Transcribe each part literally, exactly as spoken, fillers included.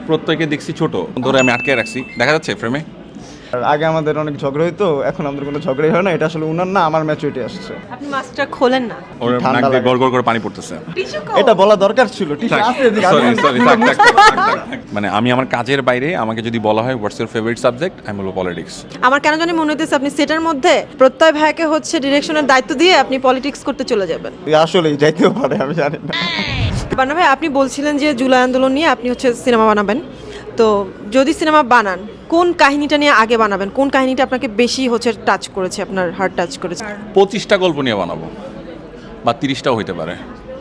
প্রত্যেকে দেখছি ছোট ধরে আমি আটকে রাখছি, দেখা যাচ্ছে ফ্রেমে। আগে আমাদের অনেক ঝগড়া হইতো, এখন আমাদের কোনো ঝগড়াই হয় না। এটা আসলে উনার না, আমার ম্যাচুরিটি আসছে। আপনি মাস্কটা খোলেন না, ওর ঠান্ডা নাক দিয়ে লাগে। গড় গড় করে পানি পড়তেছে। এটা বলা দরকার ছিল। টিস্যু আছে এদিকে, আমি- Sorry, sorry, থাক, থাক, থাক, থাক, থাক। মানে আমি আমার কাজের বাইরে আমাকে যদি বলা হয় হোয়াটস ইউর ফেভারিট সাবজেক্ট, আমি বলবো পলিটিক্স। আমার কেন জানি মনে হইতেছে আপনি সেটার মধ্যে প্রত্যয় ভাইকে হচ্ছে ডিরেকশনের দায়িত্ব দিয়ে আপনি পলিটিক্স করতে চলে যাবেন। আসলেই যাইতেও পারে, আমি জানি না। বান্না ভাই, আপনি বলছিলেন যে জুলাই আন্দোলন নিয়ে আপনি হচ্ছে সিনেমা বানাবেন, তো যদি সিনেমা বানান কোন কাহিনীটা নিয়ে আগে বানাবেন? কোন কাহিনীটা আপনাকে বেশি হচ্ছে টাচ করেছে, আপনার হার্ট টাচ করেছে? পঁচিশটা গল্প নিয়ে বানাবো, বা তিরিশটাও হইতে পারে।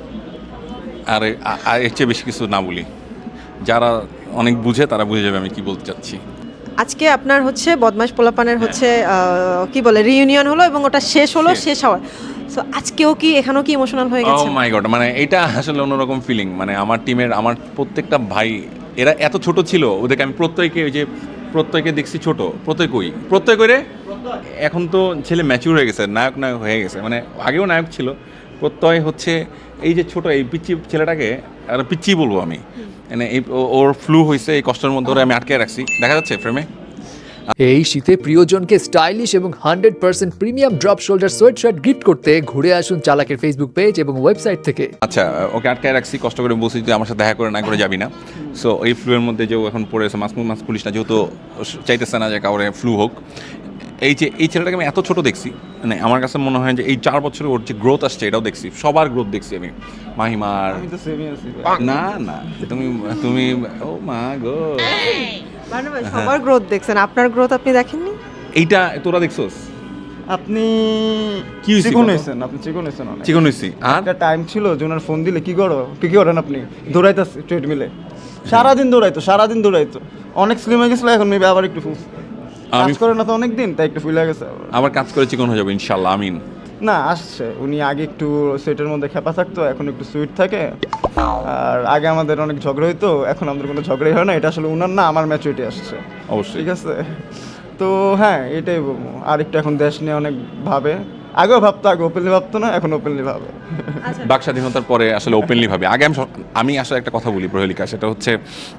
আর এ- আর এর চেয়ে বেশি কিছু না বলি, যারা অনেক বুঝে তারা বুঝে যাবে আমি কি বলতে চাচ্ছি। আজকে আপনার হচ্ছে বদমাশ পোলাপানের হচ্ছে আহ, কি বলে রিইউনিয়ন হলো এবং ওটা শেষ হলো, শেষ। শেষ হওয়ার সো আজকেও কি এখানেও কি ইমোশনাল হয়ে ও গেছে? মাই গড, মানে এটা আসলে অন্যরকম ফিলিং। মানে আমার টিমের আমার প্রত্যেকটা ভাই, এরা এত ছোট ছিল, ওদেরকে আমি প্রত্যেকে ওই যে প্রত্যেকে দেখছি ছোট। প্রত্যেক কই প্রত্যেক করে এখন তো ছেলে ম্যাচিউর হয়ে গেছে, নায়ক নায়ক হয়ে গেছে। মানে আগেও নায়ক ছিল, প্রত্যয় হচ্ছে এই যে ছোট এই পিচ্চি ছেলেটাকে, আর পিচ্চি বলবো আমি, মানে এই ও- ওর ফ্লু হয়েছে, এই কষ্টের মধ্যে ওরে আমি আটকে রাখছি, দেখা যাচ্ছে ফ্রেমে। এই শীতে প্রিয়জনকে স্টাইলিশ এবং hundred percent premium drop shoulder sweatshirt gift করতে ঘুরে আসুন চালাকের ফেসবুক পেজ এবং ওয়েবসাইট থেকে। আচ্ছা, ওকে আটকায় রাখছি, কষ্ট করে বলছি তুই আমার সাথে দেখা করে না করে যাবি না। সো এই ফ্লুয়ের মধ্যে যে ও এখন পড়ে আছে, মাস্ক মাস্ক পুলিশ না, যেহেতু চাইতেছে না যে কাউরে ফ্লু হোক। এই যে এই ছেলেটাকে আমি এত ছোট দেখছি, মানে আমার কাছে মনে হয় যে এই চার বছরে ওর যে গ্রোথ আসছে এটাও দেখছি, সবার গ্রোথ দেখছি আমি। মাহিমার আমি তো সেমই আছি। না না, তুমি তুমি ও মা গো, বান্না ভাই, সবার গ্রোথ দেখছেন, আপনার গ্রোথ আপনি দেখেননি? এইটা তোরা দেখছোস? আপনি কি হইছে চিকন কত? হয়েছেন, আপনি চিকন হয়েছেন অনেক। চিকন হইছি। আর একটা টাইম ছিল যে ওনার ফোন দিলে কি করো, কি কি করেন আপনি? দৌড়াইতেছে ট্রেডমিলে, সারাদিন দৌড়াইতো, সারাদিন দৌড়াইতো। অনেক স্লিম হয়ে গেছিল, এখন মেবি আবার একটু ফুল কাজ আমি- করে না তো অনেক দিন, তাই একটু ফুলে গেছে আবার। আবার কাজ করে চিকন হয়ে যাবে ইনশাল্লাহ, আমিন। না, আসছে। উনি আগে একটু সুইটের মধ্যে খেপা থাকতো, এখন একটু সুইট থাকে। আর আগে আমাদের অনেক ঝগড়া হইতো, এখন আমাদের কোনো ঝগড়াই হয় না। এটা আসলে উনার না, আমার ম্যাচুরিটি আসছে। অবশ্যই। ঠিক আছে, তো হ্যাঁ এটাই বলবো। আর একটু এখন দেশ নিয়ে অনেক ভাবে, আগেও ভাবতো, আগে ওপেনলি ভাবতো না, এখন ওপেনলি ভাবে। বাক স্বাধীনতার পরে আসলে ওপেনলি ভাবে। আগে আমি সব- আমি আসলে একটা কথা বলি প্রহেলিকা, সেটা হচ্ছে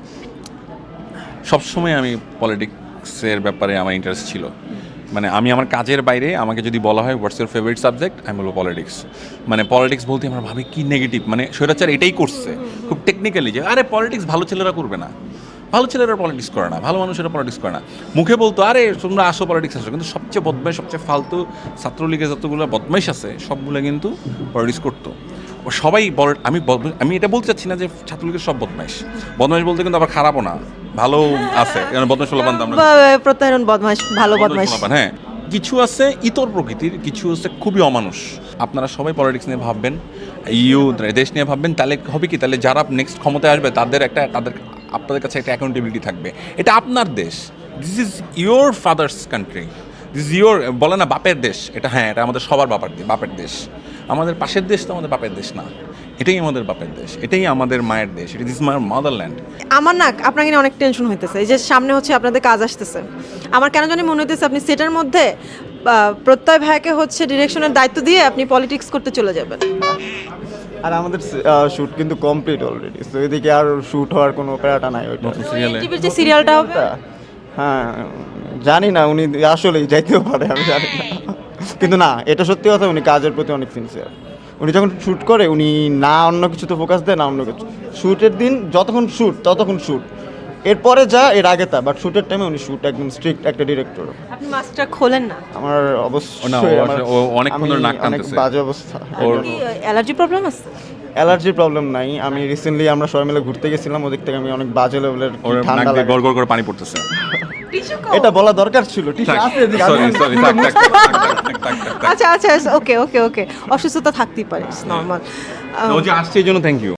সবসময় আমি পলিটিক্সের ব্যাপারে আমার ইন্টারেস্ট ছিল। মানে আমি আমার কাজের বাইরে আমাকে যদি বলা হয় হোয়াটস ইউর ফেভারিট সাবজেক্ট, আমি বলবো পলিটিক্স। মানে পলিটিক্স বলতে আমরা ভাবি কি নেগেটিভ, মানে স্বৈরাচার এটাই করছে খুব টেকনিক্যালি, যে আরে পলিটিক্স ভালো ছেলেরা করবে না, ভালো ছেলেরা পলিটিক্স করে না, ভালো মানুষেরা পলিটিক্স করে না। মুখে বলতো আরে তোমরা আসো পলিটিক্স আসো, কিন্তু সবচেয়ে বদমাইশ, সবচেয়ে ফালতু ছাত্রলীগের যতগুলো বদমাইশ আছে সবগুলো কিন্তু পলিটিক্স করতো। ও সবাই বল, আমি বদ- আমি এটা বলতে চাচ্ছি না যে ছাত্রলীগের সব বদমাইশ। বদমাইশ বলতে কিন্তু আবার খারাপও না, ভালো আছে, কারণ বদমাইশ হলো বান্ধব আমরা বা- প্রত্যায়ন বদমাশ, ভালো বদমাশ। বদমাইশ, হ্যাঁ। কিছু আছে ইতর প্রকৃতির, কিছু আছে খুবই অমানুষ। আপনারা সবাই পলিটিক্স নিয়ে ভাববেন, ইউথ দেশ নিয়ে ভাববেন, তাহলে হবে কি, তাহলে যারা নেক্সট ক্ষমতায় আসবে তাদের একটা, তাদের আপনাদের কাছে একটা অ্যাকাউন্টেবিলিটি থাকবে। এটা আপনার দেশ, this is your father's country, this is your, বলে না বাপের দেশ, এটা হ্যাঁ, এটা আমাদের সবার বাপের বাপের দেশ। আমাদের পাশের দেশ তো আমাদের বাপের দেশ না, এটাই আমাদের বাপের দেশ, এটাই আমাদের মায়ের দেশ, ইট ইজ মাই মাদারল্যান্ড। আমার না আপনাকে নিয়ে অনেক টেনশন হইতেছে, এই যে সামনে হচ্ছে আপনাদের কাজ আসতেছে। আমার কেন জানি মনে হইতেছে আপনি সেটার মধ্যে আহ, প্রত্যয় ভাইকে হচ্ছে ডিরেকশনের দায়িত্ব দিয়ে আপনি পলিটিক্স করতে চলে যাবেন। আর আমাদের শুট কিন্তু কমপ্লিট অলরেডি, তো এদিকে আর শুট হওয়ার কোনো প্যারাটা নাই ওইটা। সিরিয়ালে টিভির যে সিরিয়ালটা হবে, হ্যাঁ, জানি না, উনি আসলেই যাইতেও পারে, আমি জানি না। কিন্তু না, এটা সত্যি কথা, উনি কাজের প্রতি অনেক সিনসিয়ার। উনি যখন শ্যুট করে উনি না অন্য কিছুতে ফোকাস দেয়, না অন্য কিছু। শ্যুটের দিন যতক্ষণ শ্যুট ততক্ষণ শ্যুট, এরপরে যা এর আগে তা, বাট শ্যুটের টাইমে উনি শ্যুট একদম স্ট্রিক্ট একটা ডিরেক্টর। আপনি মাস্কটা খোলেন না, আমার ও না, ও অবশ্যই আমার- আসলে- ও অনেকক্ষণ ধরে আমি নাক অনেক টানতেছে। বাজে অবস্থা। ওর- কি অ্যালার্জি প্রবলেম আছে? অ্যালার্জির প্রবলেম নাই, আমি রিসেন্টলি আমরা সবাই মিলে ঘুরতে গেছিলাম, ওদিক থেকে আমি অনেক বাজে লেভেলের ওর নাক ঠান্ডা দিয়ে লাগে। গড় গড় করে পানি পড়তেছে। এটা বলা দরকার ছিল। টিস্যু আছে এদিকে, আমি- সরি সরি, থাক থাক থাক, থাক, থাক, থাক, থাক। আচ্ছা আচ্ছা, ওকে ওকে ওকে, অসুস্থতা থাকতেই পারে, নর্মাল। ও যে আসছে এই জন্য থ্যাংক ইউ।